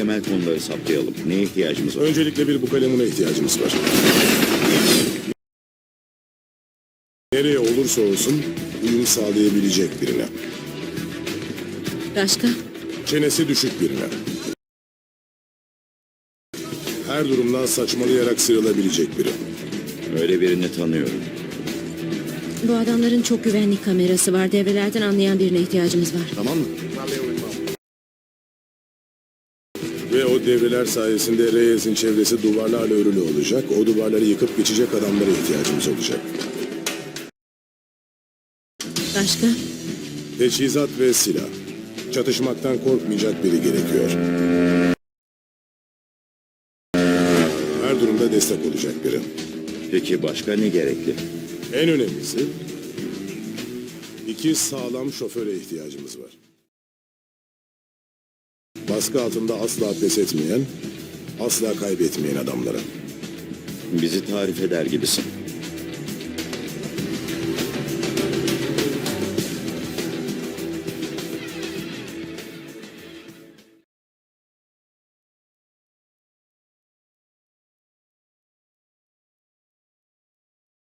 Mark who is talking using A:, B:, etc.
A: temel konuları saptayalım. Neye ihtiyacımız var?
B: Öncelikle bir bukalemuna ihtiyacımız var. Nereye olursa olsun uyum sağlayabilecek birine.
C: Başka?
B: Çenesi düşük birine. Her durumdan saçmalayarak sıyrılabilecek biri.
A: Öyle birini tanıyorum.
C: Bu adamların çok güvenlik kamerası var. Devrelerden anlayan birine ihtiyacımız var.
B: Tamam mı? Ve o devreler sayesinde Reyes'in çevresi duvarlarla örülü olacak. O duvarları yıkıp geçecek adamlara ihtiyacımız olacak.
C: Başka?
B: Teçhizat ve silah. Çatışmaktan korkmayacak biri gerekiyor. Her durumda destek olacak biri.
A: Peki başka ne gerekli?
B: En önemlisi, 2 sağlam şoföre ihtiyacımız var. Baskı altında asla pes etmeyen, asla kaybetmeyen adamlara.
A: Bizi tarif eder gibisin.